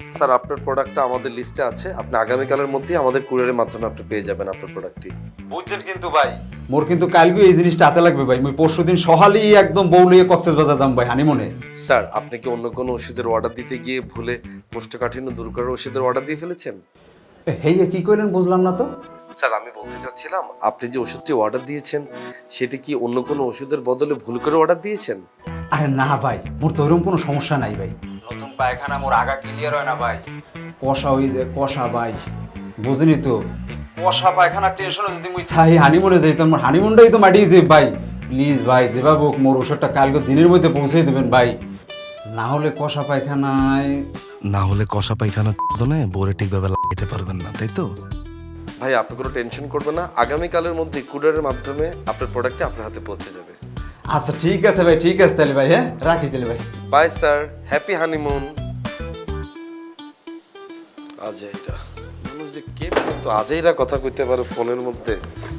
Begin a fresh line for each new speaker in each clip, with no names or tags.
Sir আপনার প্রোডাক্টটা আমাদের লিস্টে আছে, আপনি আগামীকালের মধ্যেই আমাদের কুরিয়ারের মাধ্যমে আপনি পেয়ে যাবেন আপনার প্রোডাক্টটি।
বুঝছেন কিন্তু ভাই, মোর কিন্তু কালকে এই জিনিসটা হাতে লাগবে ভাই। মুই পরশুদিন সকালেই একদম বউলিয়ে কক্সবাজার যাম ভাই হানিমুনে।
স্যার আপনি কি অন্য কোনো ওষুধের অর্ডার দিতে গিয়ে ভুলে কোষ্ঠকাঠিন্য দূর করার ওষুধের অর্ডার দিয়ে ফেলেছেন?
হেই কি কইলেন বুঝলাম না তো।
স্যার আমি বলতে চাচ্ছিলাম, আপনি যে ওষুধটি অর্ডার দিয়েছেন সেটি কি অন্য কোনো ওষুধের বদলে ভুল করে অর্ডার দিয়েছেন?
আরে না ভাই, মোর তো ওইরকম কোনো সমস্যা নাই ভাই। নতুন পায়খানা মোর আগা ক্লিয়ার হয় না ভাই, কষা হয়ে যায় কষা ভাই, বুঝলি তো। কষা পায়খানার টেনশনে যদি মুই থাই হানিমুনে যাইতাম, মোর হানিমুনটাই তো মাটিয়ে যে ভাই। প্লিজ ভাই যেভাবে হোক মোর ওষুধটা কালকে দিনের মধ্যে পৌঁছে দেবেন ভাই, না হলে কষা পায়খানায়
বোরে ঠিকভাবে লাগাইতে পারবেন না, তাই তো?
ভাই আপনি কোনো টেনশন করবেন না, আগামীকালের মধ্যে কুরিয়ারের মাধ্যমে আপনার প্রোডাক্টটি আপনার হাতে পৌঁছে যাবে।
আচ্ছা ঠিক আছে ভাই, ঠিক আছে তাহলে ভাই, হ্যাঁ রাখি তাহলে ভাই।
Bye sir, happy honeymoon. আজাইরা মানুষ যে কে তো আজাইরা কথা কইতে পারে ফোনের মধ্যে।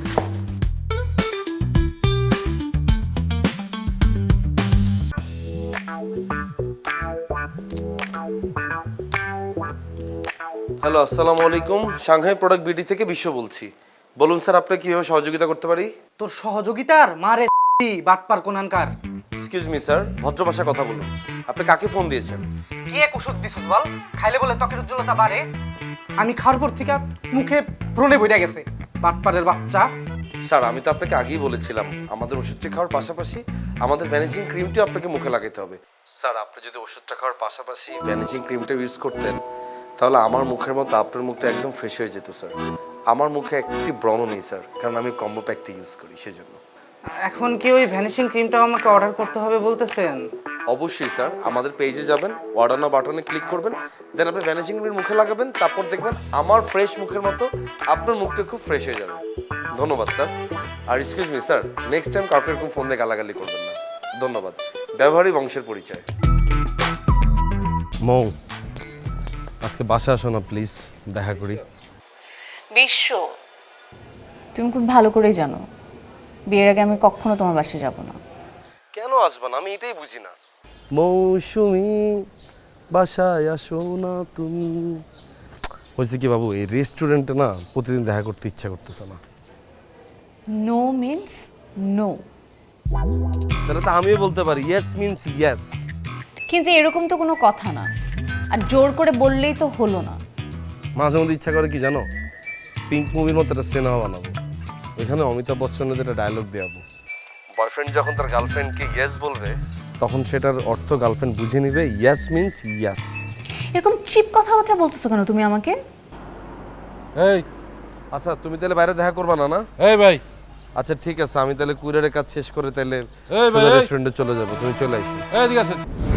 হ্যালো, আসসালামু আলাইকুম। সাংহাই প্রোডাক্ট বিডি থেকে বিশ্ব বলছি। বলুন স্যার, আপনাকে কিভাবে সহযোগিতা করতে পারি?
তোর সহযোগিতার মারে বাটপার কোনানকার।
এক্সকিউজ মি স্যার, ভদ্র ভাষায় কথা বলুন। আপনি কাকে ফোন দিয়েছেন?
কি এক ওষুধ দিছিস বল? খাইলে বলে ত্বকের উজ্জ্বলতা বাড়ে। আমি খাওয়ার পর থেকে মুখে ব্রণে বইরা গেছে, বাটপারের বাচ্চা।
স্যার আমি তো আপনাকে আগেই বলেছিলাম, আমাদের ওষুধটি খাওয়ার পাশাপাশি আমাদের ভ্যানিশিং ক্রিমটিও আপনাকে মুখে লাগাতে হবে। স্যার আপনি যদি ওষুধটা খাওয়ার পাশাপাশি ভ্যানিশিং ক্রিমটা ইউজ করতেন তাহলে আমার মুখের মতো আপনার মুখটা একদম ফ্রেশ হয়ে যেত স্যার। আমার মুখে একটি ব্রণ নেই স্যার, কারণ আমি কম্বো প্যাকটি ইউজ করি সেজন্য।
এখন কি ওই ভ্যানিশিং ক্রিমটাও আমাকে অর্ডার করতে হবে বলতেছেন?
অবশ্যই স্যার, আমাদের পেজে যাবেন, অর্ডার নাও বাটনে ক্লিক করবেন, দেন আপনি ভ্যানিশিং ক্রিম মুখে লাগাবেন, তারপর দেখবেন আমার ফ্রেশ মুখের মতো আপনার মুখটা খুব ফ্রেশ হয়ে যাবে। ধন্যবাদ স্যার। আর excuse me sir, next time কাউকে এরকম ফোন দিয়ে গালাগালি করবেন না। ধন্যবাদ। ব্যবহারই বংশের পরিচয়। মৌ, আজকে বাসা আসো না প্লিজ, দেখা করি।
বিশ্ব, তুমি খুব ভালো করেই জানো বিয়ের আগে আমি কখনো তোমার বাসায় যাব না।
কেন আসবা না আমি এটাই বুঝি না। মৌসুমি বাসায় আসো না তুমি। হয়েছে কি বাবু, এই রেস্টুরেন্টে না প্রতিদিন দেখা করতে ইচ্ছা করতেছে না।
No means no.
তাহলে তো আমিও বলতে পারি ইয়েস মিন্স ইয়েস।
কিন্তু এরকম তো কোনো কথা না, আর জোর করে বললেই তো হলো না।
মাঝে মধ্যে ইচ্ছা করে কি জানো, পিঙ্ক মুভির মতো একটা সিনেমা বানাবো, ওইখানে অমিতাভ বচ্চনের একটা ডায়লগ দেওয়াবো। বয়ফ্রেন্ড যখন তার গার্লফ্রেন্ডকে ইয়েস বলবে তখন সেটার অর্থ গার্লফ্রেন্ড বুঝে নিবে ইয়েস মিন্স ইয়েস।
এরকম চিপ কথাবার্তা বলতেছো কেন তুমি আমাকে?
এই
আচ্ছা তুমি তাহলে বাইরে দেখা করবা না? না
এই ভাই,
আচ্ছা ঠিক আছে, আমি তাহলে কুরিয়ারের কাজ শেষ করে তাহলে
এই ভাই, এই।
রেস্টুরেন্টে চলে যাবো, তুমি চলে আসো।
এদিকে আসেন।